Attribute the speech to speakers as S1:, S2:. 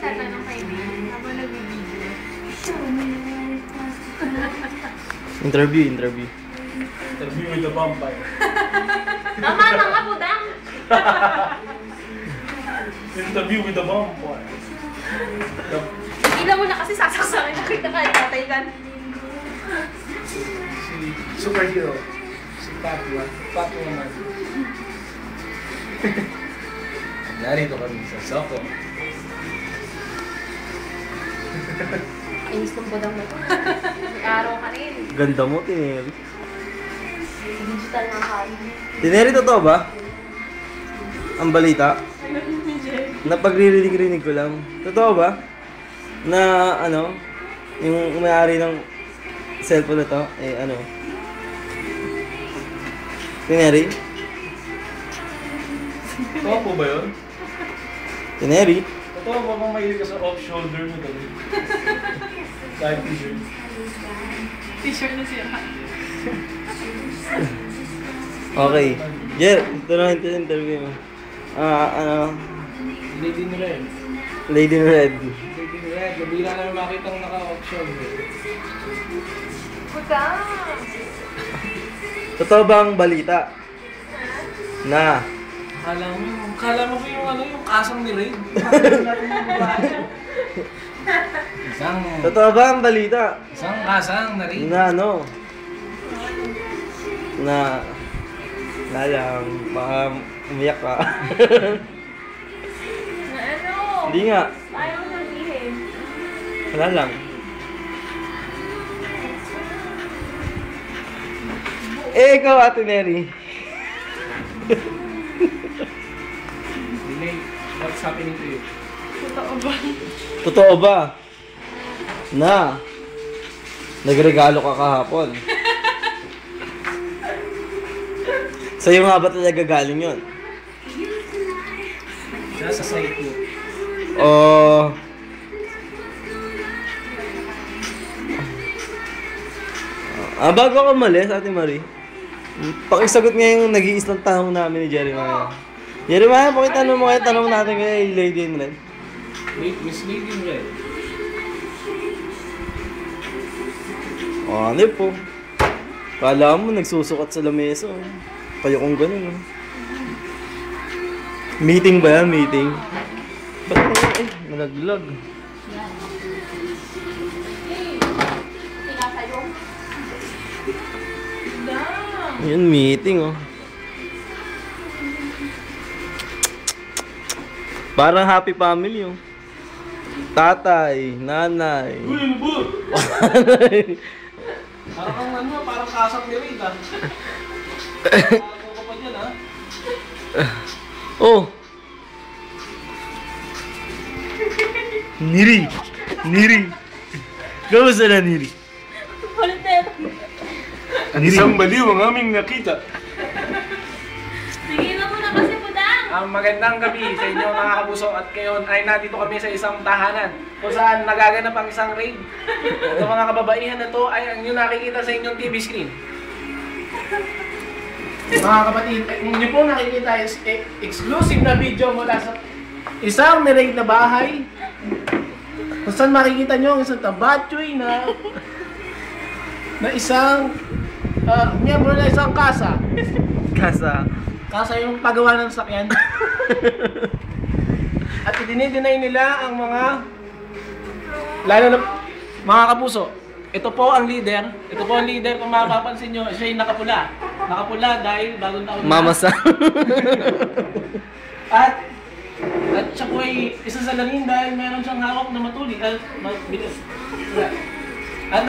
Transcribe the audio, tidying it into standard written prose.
S1: nagtatanong kay Neil habang nag-video.
S2: Interview.
S3: Interview with the vampire.
S1: Tama na nga, budang!
S3: Interview with the vampire.
S1: Ilan mo na kasi sasaksakin. Nakita ka, tataygan.
S3: Si superhero. Si Batwoman. Narito kami sa Soko.
S1: Inis ng budang na ito. May araw ka rin.
S2: Ganda mo, Tineri.
S1: Digital na kain.
S2: Tineri, totoo ba? Ang balita? Napagrinig ko lang. Totoo ba? Na ano, yung may-ari ng cellphone na to, eh ano? Tineri?
S3: Totoo po ba yun?
S2: Tineri?
S3: Totoo ba bang mahilig ka sa off-shoulder mo dali? Kahit t-shirt.
S1: T-shirt na siya.
S2: Okay. Jer, ito na yung interview mo. Ano?
S3: Lady in Red.
S2: Lady in Red.
S3: Lady in Red. Nabila namin makita ang naka-off-shoulder.
S1: Budang!
S2: Totoo ba ang balita? Na?
S3: Kala mo ba yung ano, yung kasang ni Ray?
S2: Totoo ba ang balita?
S3: Isang kasang na Ray.
S2: Na ano? Na lang, baka umiyak ka.
S1: Na ano?
S2: Hindi nga.
S1: Ayaw mo sabihin.
S2: Wala lang. Eh, ikaw, Ate Neri.
S3: Delay, what's happening to you?
S1: Totoo ba?
S2: Totoo ba? Na nagregalo ka kahapon? Sa'yo nga ba talaga galing yun?
S3: Nasa site ko.
S2: Bago ako umalis, Ate Marie, pakisagot nga yung nag-iisang tanong namin ni Jeremiah. Jeremiah, pakitanong mo kayo tanong natin kay Lady in Red.
S3: Miss Lady in Red.
S2: Ano po? Kala mo nagsusukat sa lamesa. Kayo kung ganun. Meeting ba yan? Meeting? Ba't nalaglag? Yan, meeting Parang happy family Tatay, nanay.
S3: Uy, ano ba? Parang ano, parang kasang ni Ray, ha? Ako ka pa dyan, ha?
S2: Oh! Niri! Kamusta na, Niri?
S3: Isang baliw ang aming nakita.
S1: Sige na muna kasi, budang!
S3: Magandang gabi sa inyo mga kapuso at ngayon ay nandito kami sa isang tahanan kung saan nagaganap ang isang raid. Ito mga kababaihan na to ay ang inyong nakikita sa inyong TV screen. Mga kapatid, inyo po nakikita is exclusive na video mula sa isang niraid na bahay kung saan makikita nyo ang isang tabatchoy na isang miyembro na isang kasa. Kasa yung paggawa ng sakyan. At idinideny nila ang mga lalo na mga kapuso. Ito po ang leader. Ito po ang leader kung mapapansin nyo. Siya yung nakapula. Nakapula dahil bagong taon na.
S2: Mama sa...
S3: At siya po ay isa sa larin dahil meron siyang hawak na matuli. Bilis.